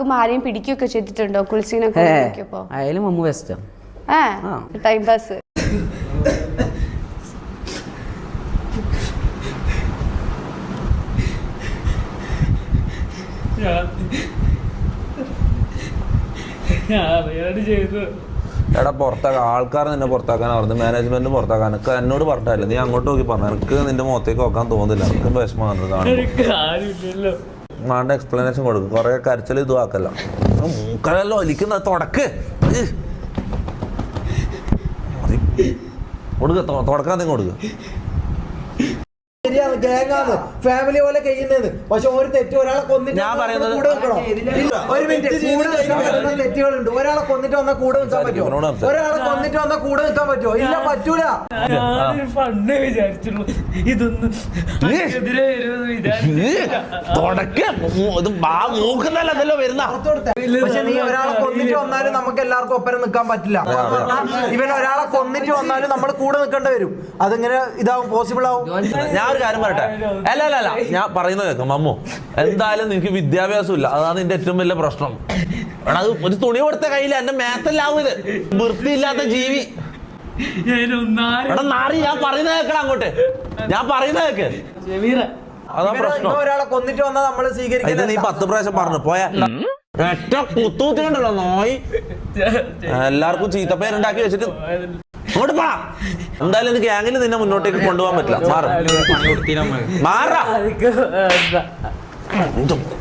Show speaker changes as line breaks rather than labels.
ആരെയും പിടിക്കുകയൊക്കെ ചെയ്തിട്ടുണ്ടോ കുൽസീനൊക്കെ?
അയാലും മമ്മു ബെസ്റ്റാ.
Time pass.
എടാ പുറത്താക്കാൻ ആൾക്കാർ നിന്നെ പുറത്താക്കാൻ പറഞ്ഞു, മാനേജ്മെന്റ് പുറത്താക്കാൻ. എനിക്ക് എന്നോട് പറഞ്ഞില്ല, നീ അങ്ങോട്ട് നോക്കി പറഞ്ഞു. എനിക്ക് നിന്റെ മുഖത്തേക്ക് നോക്കാൻ തോന്നുന്നില്ല, എനിക്ക് വിഷമമാണ് കാണുമ്പോൾ. മാണ്ട എക്സ്പ്ലനേഷൻ കൊടുക്കും, കുറെ കരച്ചിൽ ഇതും ആക്കല്ല. മൂക്കലല്ലോ ഒലിക്കുന്ന തുടക്ക് കൊടുക്ക, തുടക്കാൻ നിങ്ങൾ കൊടുക്കുക.
ശരിയാണ്, ഗാങ്ങാണ്, ഫാമിലി പോലെ കഴിയുന്നത്. പക്ഷെ ഒരു തെറ്റ് ഒരാളെ കൊന്നിട്ട്
ഞാൻ പറയുന്നത്
ഒരു മിനിറ്റ്, തെറ്റുകളുണ്ട്. ഒരാളെ കൊന്നിട്ട് വന്നാൽ കൂടെ നിൽക്കാൻ പറ്റുമോ? ഒരാളെ കൊന്നിട്ട് വന്നാൽ കൂടെ നിൽക്കാൻ പറ്റുമോ? ഇല്ല, പറ്റൂല. പക്ഷെ നീ ഒരാളെ കൊന്നിട്ട് വന്നാലും നമുക്ക് എല്ലാവർക്കും ഒപ്പരം നിൽക്കാൻ പറ്റില്ല. ഇവൻ ഒരാളെ കൊന്നിട്ട് വന്നാലും നമ്മൾ കൂടെ നിൽക്കേണ്ടി വരും. അതിങ്ങനെ ഇതാവും, പോസിബിൾ ആവും.
ഞാൻ ഒരു കാര്യം പറയട്ടെ, അല്ല ഞാൻ പറയുന്നത് കേൾക്കാം. മമ്മു, എന്തായാലും നിനക്ക് വിദ്യാഭ്യാസം ഇല്ല, അതാണ് നിന്റെ ഏറ്റവും വലിയ പ്രശ്നം. അത് ഒരു തുണി കൊടുത്ത കയ്യില് എന്റെ മേത്തല്ലാവും ഇത്. വൃത്തിയില്ലാത്ത ജീവി. നാറി, ഞാൻ പറയുന്നത് കേൾക്കണം അങ്ങോട്ട്. ഞാൻ പറയുന്നത് കേക്ക്. അതാ പ്രശ്നം.
ഒരാളെ കൊന്നിട്ട് വന്നാൽ നമ്മൾ സ്വീകരിക്കും.
ഇത് നീ 10 പ്രാവശ്യം പറഞ്ഞു പോയാ ഒറ്റ കുത്തൂത്തിണ്ടല്ലോ നോയി. എല്ലാവർക്കും ചീത്തപ്പേരുണ്ടാക്കി വെച്ചിട്ട് അങ്ങോട്ട് പോടാ. എന്തായാലും എനിക്ക് ഗ്യാങ്ങിൽ നിന്നെ മുന്നോട്ടേക്ക് കൊണ്ടുപോകാൻ പറ്റില്ല. മാറാ